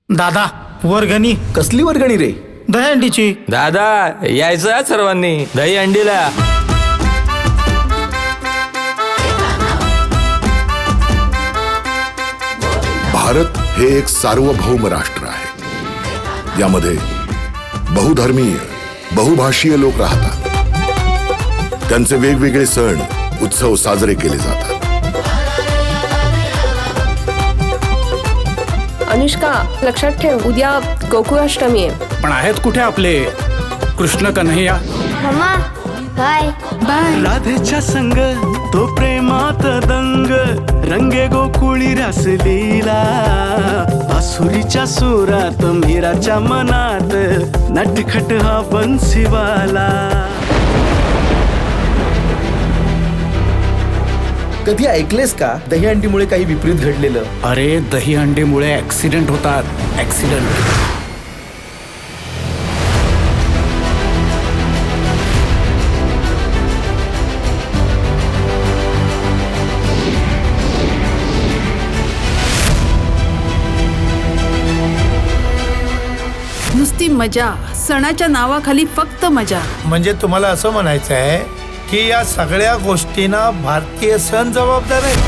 दादा वर्गणी. कसली वर्गणी रे? दहीहंडीची. दादा यायचं हा सर्वांनी दही अंडीला. भारत हे एक सार्वभौम राष्ट्र आहे. यामध्ये बहुधर्मीय बहुभाषीय लोक राहतात. त्यांचे वेगवेगळे सण उत्सव साजरे केले जातात. अनुष्का लक्षात ठेव, उद्या गोकुळाष्टमी आहे. पण आहेत कुठे आपले Krishna Kanhaiya? Mama bye bye. राधेच्या संग तो प्रेमात दंग रंगे गोकुळी रसलीला. आसुरीच्या सुरात मीराच्या मनात नटखट हा बन्सीवाला. कधी ऐकलेस का दहीहंडीमुळे काही विपरीत घडलेलं? अरे दहीहंडीमुळे ऍक्सिडेंट होतात, ऍक्सिडेंट. नुसती मजा, सणाच्या नावाखाली फक्त मजा. म्हणजे तुम्हाला असं म्हणायचं आहे की या सगळ्या गोष्टींना भारतीय सण जबाबदार आहे?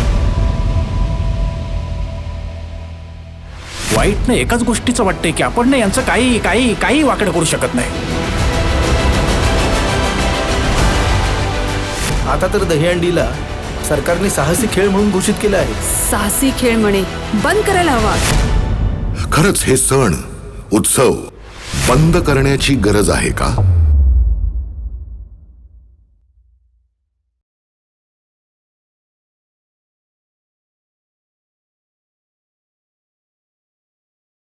वाईट नाही एकाच गोष्टीचं वाटतंय की आपण नाही यांचं काही काही काही वाकडं करू शकत नाही. आता तर दहीहंडीला सरकारने साहसी खेळ म्हणून घोषित केलं आहे. साहसी खेळ म्हणे बंद करायला हवा. खरंच हे सण उत्सव बंद करण्याची गरज आहे का?